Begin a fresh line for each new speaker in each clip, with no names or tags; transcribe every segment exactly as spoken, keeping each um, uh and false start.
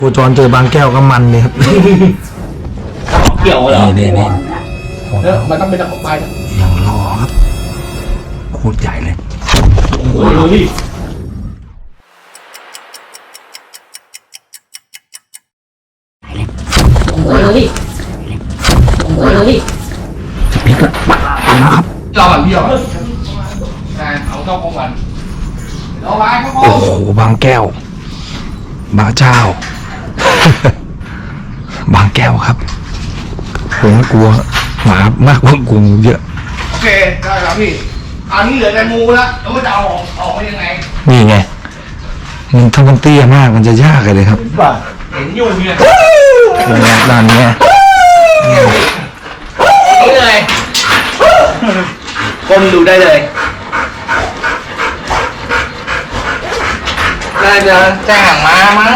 โคจรเจอบางแก้วก็มันเลยครับ
เกี่ยวเหรอ
นี่นี่
เนี่ยมันต้องเป็นตะขบไป
ยังรอครับโคตรใหญ่เลย
โอ้ยโอ้ยโอ้ย
พริกละนะครับ
รอก่อนพี่รอก่อนเอาเข้าห้องก่อนเอาไว้เข้าห้อง
โอ้โหบางแก้วบางเจ้า บางแก้วครับผมกลัวหมามากกว่ากลุ่มเยอะ
โอเคได้ครับพี่อันนี้เหลือแต่งูแล้วแล้วมันจะเอาออกออกมายังไง
นี่ไงมันถ้ามันเตี้ยมากมันจะยากเลยครับ
เห็นอยู่เนี่ย
ด้านนี้
นี่เลยก้มดูได้เลยน่าจะแจ้งมามั้ง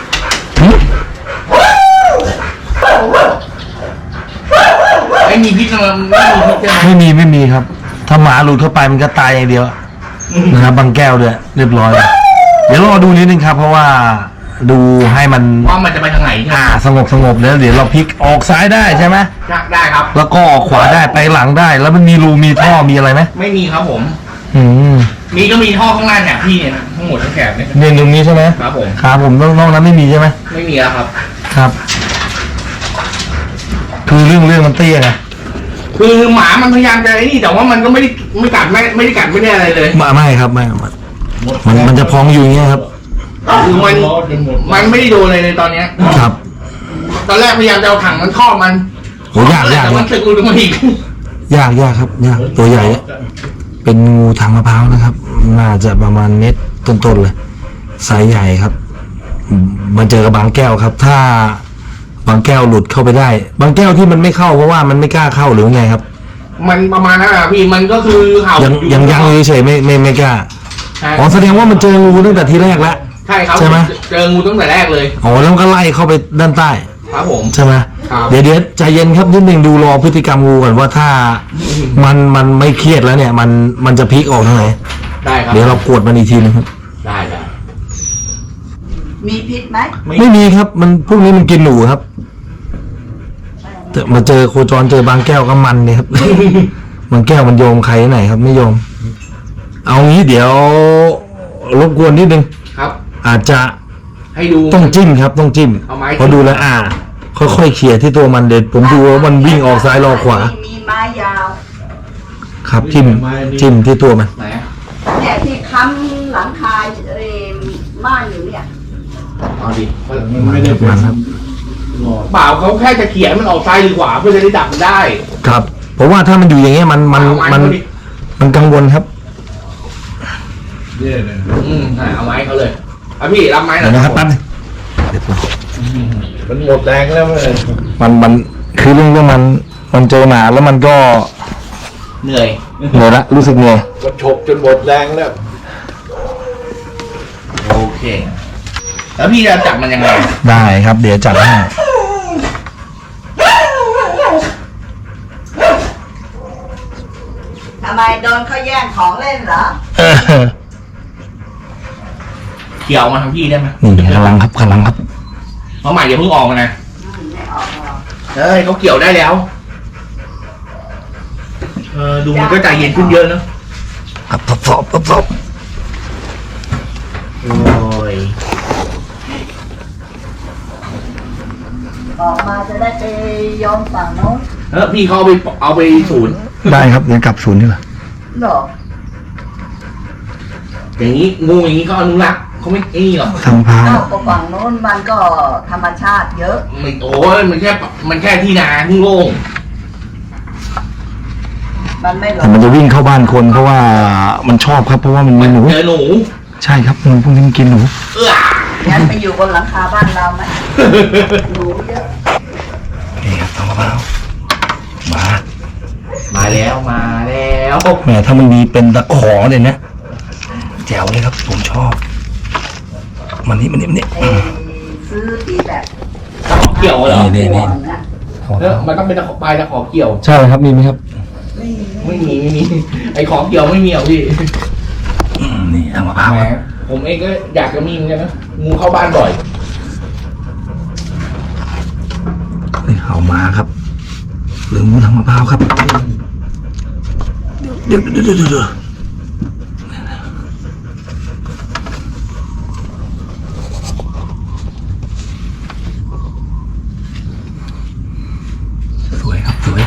ไม่มีพิษมันไม่มีพิษใช่ไหม
ไม่มีไม่มีครับถ้าหมาหลุดเข้าไปมันก็ตายอย่างเดียวนะครับบางแก้วด้วยเรียบร้อยเดี๋ยวรอดูนิดนึงครับเพราะว่าดูให้มัน
ว่ามันจะไปทางไหน
อ่าสงบสงบแล้วเดี๋ยวเราพลิกออกซ้ายได้ใช่ไหม
ได้ครับ
แล้วก็ออกขวาได้ไปหลังได้แล้วมันมีรูมีท่อมีอะไรไหม
ไม่มีครับผม
อืม
มีก็มีท่อข้างล่างเนี่ยพี่เนี่ยทั้งหมดทั้งแถบเนี่ย
เนี่ยตรงนี้ใช่ไหม
ครับผม
ครับผมนอกนั้นไม่มีใช่ไหม
ไม่มีแล้วครับ
ครับคือเรื่องเรื่องมันเตี้ยไง
คือหมามันพยายามจะไอ้นี่แต่ว่ามันก็ไม่ได้ไม่กัดไม่ไม่ได้กัดไม่ได้อะไรเลย
ไม่ไม่ครับไม่มันมันมันจะพองอยู่อย่างเงี้ยครับ
คือมันมันไม่ได้โดนอะไรเลยตอนเนี้ย
ครับ
ตอนแรกพยายามจะเอาถังมันครอบมัน
โอ้ยากยาก
แต่มันสึกอุดมอีก
ยากยากครับยากตัวใหญ่เป็นงูทางมะพร้าวนะครับน่าจะประมาณเม็ดต้นๆเลยไซส์ใหญ่ครับมาเจอกับบางแก้วครับถ้าบางแก้วหลุดเข้าไปได้บางแก้วที่มันไม่เข้าเพราะว่ามันไม่กล้าเข้าหรือไงครับ
มันประมาณนั้นอะพี่มันก็คือเห่า
ยังยังยังเฉยไม่ไม่ไม่กล้าอ๋อแสดงว่ามันเจองูตั้งแต่ทีแรกแล้ว
ใช่ครับ
ใช่ไหม
เจองูตั้งแต่แรกเลย
อ๋อแล้วก็ไล่เข้าไปด้านใต้
ครับผม
ใช่ไหมเดี๋ยวเดี๋ยวใจเย็นครับนิดนึงดูรอพฤติกรรมงูก่อนว่าถ้ามันมันไม่เครียดแล้วเนี่ยมันมันจะพลิกออกทางไหน
ได้ครับ
เดี๋ยวเรากวดมันอีกทีนึงครับ
ได้ได้
มีพิษไหม
ไม่มีครับมันพวกนี้มันกินหนูครับแต่มาเจอโคจรเจอบางแก้วก็มันเนี่ยครับ บางแก้วมันโยมใครไหนครับไม่โยมเอางี้เดี๋ยวรบกวนนิดนึง
ครับ
อาจจะ
ให้ดู
ต้องจิ้มครับต้องจิ้มพอดูแล้วอ่าค่อยๆเขี่ยที่ตัวมันเด็ดผมดูว่ามันวิ่งออกซ้ายรอขวา
มีไม้ยาว
ครับจิ้มจิ้มที่ตัวมัน
เนี่ยที่ค้ำหลังคาเอ่อม่านอยู่เนี่ย
เอาดิมันไม่ได้มันครับเปล่าเขาแค่จะเขี่ยมันออกซ้ายหรือขวาเพื่อจะได้ดับมันได้
ครับเพราะว่าถ้ามันอยู่อย่างเงี้ยมันมันมันมันกังวลครับ
เย่เลยอืมเอาไม้เขาเลยเอาพี่รับไม้หน่อย
นะครับปั๊บ
มันหมดแรงแล้วเลย
มันมันคือเรื่องเรื่องมันมันเจอหนาแล้วมันก็
เหนื่อย
เหนื่อยละรู้สึกเหนื่อย
มันฉกจนหมดแรงแล้วโอเคแล้วพี่จะจับมันยังไง
ได้ครับเดี๋ยวจับให้
ทำไมโดนเขาแย่งของเล่นเหรอ
เกี่ยวมาทางพี่ได้ไหม
นี่กำลังครับกำลังครับ
เพราะใหม่อย่าเพิ่งออกมานะเฮ้ยเขาเกี่ยวได้แล้วเออดูมันก็ใจเย็นขึ้นเยอะเนอะ
ครับทดสอบทดสอบ
โอ้ย
ออกมาจะได้ไปยอมฝั่งโน้น
เออพี่เขาเอาไปเอาไปศูนย์
ได้ครับเดี๋ยวกลับศูนย์นี่แหละ
หรอ
อย่างนี้งูอย่างนี้ก็อนุรักษ์เขาไม่ไอ้นี่หรอก
ทางพา
ฝั่งโน้นมันก็ธรรมชาติเยอะ
มันโอ้ยมันแค่มันแค่ที่นาที่โล่ง
มันไม่หรอก
แต่มันจะวิ่งเข้าบ้านคนเพราะว่ามันชอบครับเพราะว่ามันมีหนู
เจอหนู
ใช่ครับงูพวกนี้มันกินหนู
เออ
งั้นไปอยู่บนหลังคาบ้านเราไหมหนูเยอะ
นี่ครับทางมะพร้าวมา
มาแล้วมาแล้ว
แหมถ้ามันมีเป็นตะขอเนี่ยนะแจ๋วเลยครับผมชอบมันนี่มันนี่มันนี่
ซื้อที่แบบ
เกี่ยวเหรอ
นี่นี่
เออมันต้องเป็นตะขอปลายตะขอเกี่ยว
ใช่ครับมีไหมครับ
ไม่มีไม่มีไอ้ของเกี่ยวไม่มีอ่ะพี่
นี่ทางมะพร้าว
ผมเองก็อยากจะมีเหมือนกันนะงูเข้าบ้านบ่อย
เอามาครับหรืองูทางมะพร้าวครับเดี๋ยวเดี๋ยวเดี๋ยวเดี๋ยวสวยครับสวย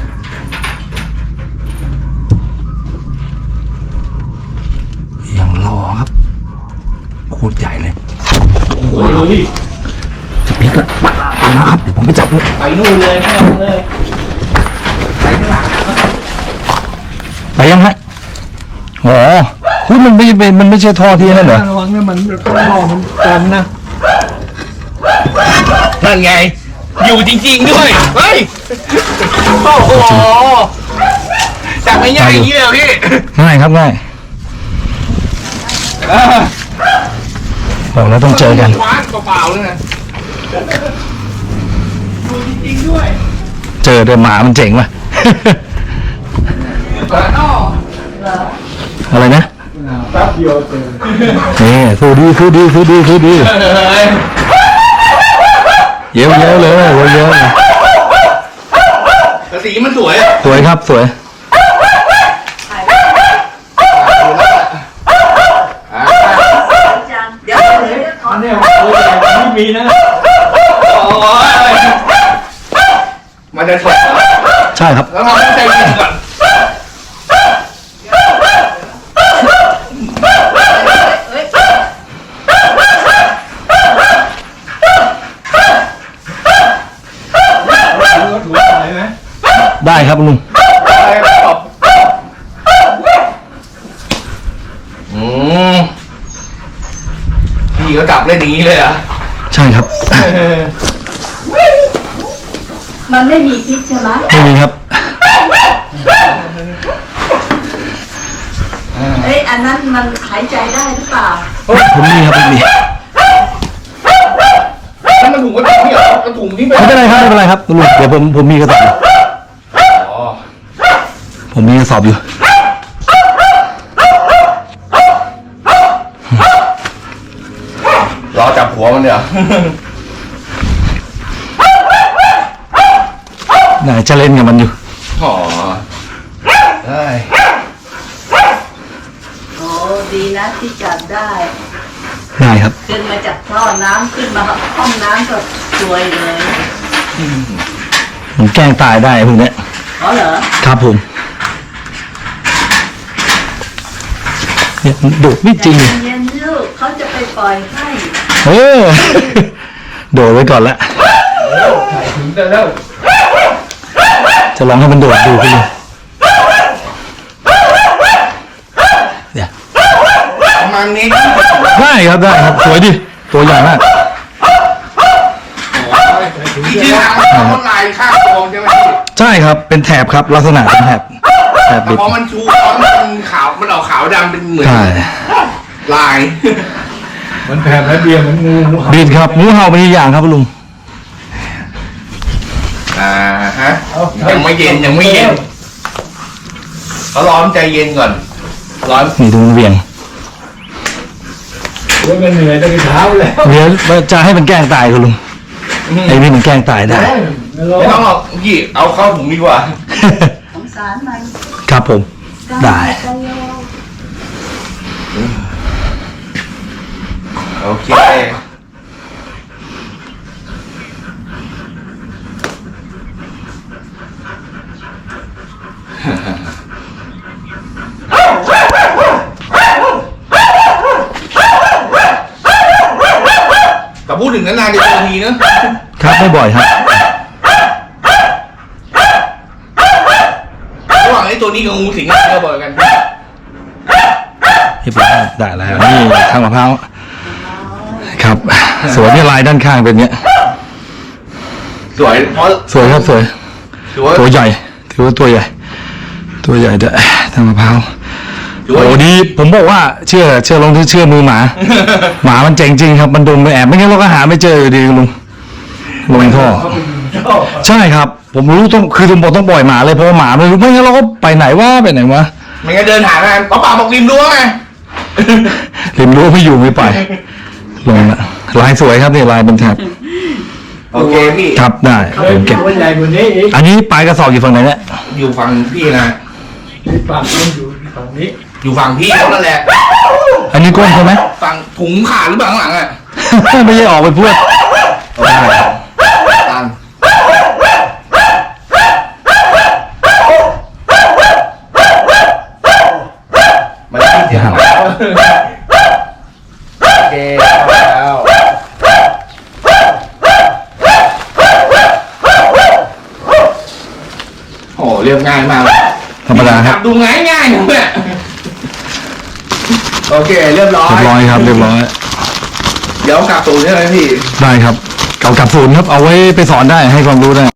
ยังรอครับโคตรใหญ่เลย
โอ้ย
จะพลิกละไปนะครับเดี๋ยวผมไปจับเลย
ไปนู่นเลยข้างหลังเลยไปข้างหลัง
ไปยังฮะอ๋อคุณมันไม่เป็นมันไม่ใช่ท่อที่นั่นเหรอ
ระวังนะมันท่อมันกันนะนั่นไงอยู่จริงๆด้วยเฮ้ยโอ้โหจับไม่ง่ายอย่างนี้เลยพี่
ง่ายครับง่ายบอกแล้วต้องเจอกัน
คว้านเปล่าๆเลยนะอยู่จริงๆด้วย
เจอเดินหมามันเจ๋งว่ะ อะไรนะ
แป๊บเดียวเจอ
นี่สู้ดีสู้ดีสู้ดีสู้ดีเย้เย้เลยเย้เย้เลย
แต่สีมันสวย
สวยครับสวย
เดี๋ยวเดี๋ยวขอ
เนี่ยไม่มีนะโอ้ยมันจะถก
ใช่ครับ
แล้วเราต้องใจเย็นก่อน
เฮ้ย
ถือว่าไหวไหม
ได้ครับลุง
อืมพี่ก็กลับเล่นอย่างนี้เลยเหรอ่ะ
ใช่ครับ
มันไม่มีพิษใช่ไหม
ไม่มีครับ
เอ้ยอันนั้นมันหายใจได้หรือเปล่า
ผมมีครับผมมี
ถ้ามันถุงกระถุงนี่เหรอกระถุงนี่เป็น
ไม่เป็นไรครับไม่เป็นไรครับลุงเดี๋ยวผมผมมีกระสอบอยู่
อ๋อ
ผมมีกระสอบอยู่
รอจับหัวมันเดี๋ยว
ไหนจะเล่นกับมันอยู่
อ๋อได้
โอ้ดีนะที่จับได้
ได้ครับ
ขึ้นมาจากท่อน้ำขึ้นมาห้องน้ำก็สวยเลย
ผมแกล้งตายได้พวกเนี้ย
อ๋อเหรอ
ครับผมเนี่ยโดดไม่จริง
ใจเย็นๆลูกเขาจะไปปล่อยให้
เออ โดดไว้ก่อนละ
ถึงจะแล้ว
จะลองให้มันโดดดูพี่เดี๋ยว
ประมาณนี้
ได้ครับได้ครับสวยดิตัวใหญ่มาก
ที่ที่ทางเขาลายข้างกองใช่ไหมพี่
ใช่ครับเป็นแถบครับลักษณะเป็นแถบแถบ
แต่
บิด
พอมันชูเขามันขาวมันออกขาวดำเป็นเหมือน
ใช่
ลาย
มันแผ่และเบียร์เหมือนงูงูเห่า
บิดครับงูเห่าเป็นอีกอย่างครับลุง
อ่าฮะยังไม่เย็นยังไม่เย็นเขาร้อนใจเย็นก่อนร้อน
นี่ดูมันเหวียง
โอ้ยมันเหนื่อยตั้งแต่เช้าแล้ว
เดี๋ยวจะให้มันแกล้งตายคุณลุงไอ้นี่มันแกล้งตายได้
ไม่ร้อ
ไม่ต้องหรอกพี่เอาเข้าถุงดีกว่า
สงสารมัน
ครับผมได้
ใจโย
โอเคแต่พูดถึงนานๆจะเจอทีนะครับ
ไม่บ่อยครับ
ระหว่างไอ้ตัวนี้กับงูสิงเจอบ่อยกัน
เรียบร้อยได้แล้วนี่ทางมะพร้าวครับ สวยที่ลายด้านข้างเป็นเนี้ย
สวยเพราะ
สวยครับสวย
ถือว่า
ตัวใหญ่ถือว่าตัวใหญ่ ตัวใหญ่ด้วยทางมะพร้าว
ถือว่า
โอ้ดีผมบอกว่าเชื่อเชื่อลงที่เชื่อมือหมา หมามันเจ๋งจริงครับมันดมไปแอบไม่งั้นเราก็หาไม่เจออยู่ดีลุงลงท่อ
ชอบ
ใช่ครับ ผมรู้ต้องคือผมบอกต้องปล่อยหมาเลยเพราะว่าหมาไม่รู้ไม่งั้นเราก็ไปไหนวะไปไหนวะ
ไม่งั้นเดินหาแม่ป้าป่าบอกริมรั้วไง
ริมรั้วไม่อยู่ไม่ไป ลงละลายสวยครับนี่ลายเป็นแถบ
โอเคพี่
ครับได้
เฮ้ย
ผมเก็บ
ตัวใหญ่กว่านี้อีก
อันนี้ปลายกระสอบอยู่ฝั่งไหนเนี่ย
อยู่ฝั่งพี่นะ
ที่ปากมันอยู่ฝั่งนี้
อยู่ฝั่งพี่เขานั่นแหละ
อันนี้ก้นใช่ไหม
ฝั่งถุงขาดหรือเปล่าข้างหลังอ่ะ
ไม่ใช่ออกไปพูด
ได้ตันมันที่เสียงหมาโอเคแล้วโอ้เรียบง่ายมากเลย
ธรรมดาครับ
ดูง่ายง่ายๆเนี่ยโอเคเรียบร้อย
เรียบร้อยครับเรียบร้อย
เดี๋ยวกลับตูนใช่ไหมพี่
ได้ครับเก่ากับศูนย์ครับเอาไว้ไปสอนได้ให้ความรู้ได้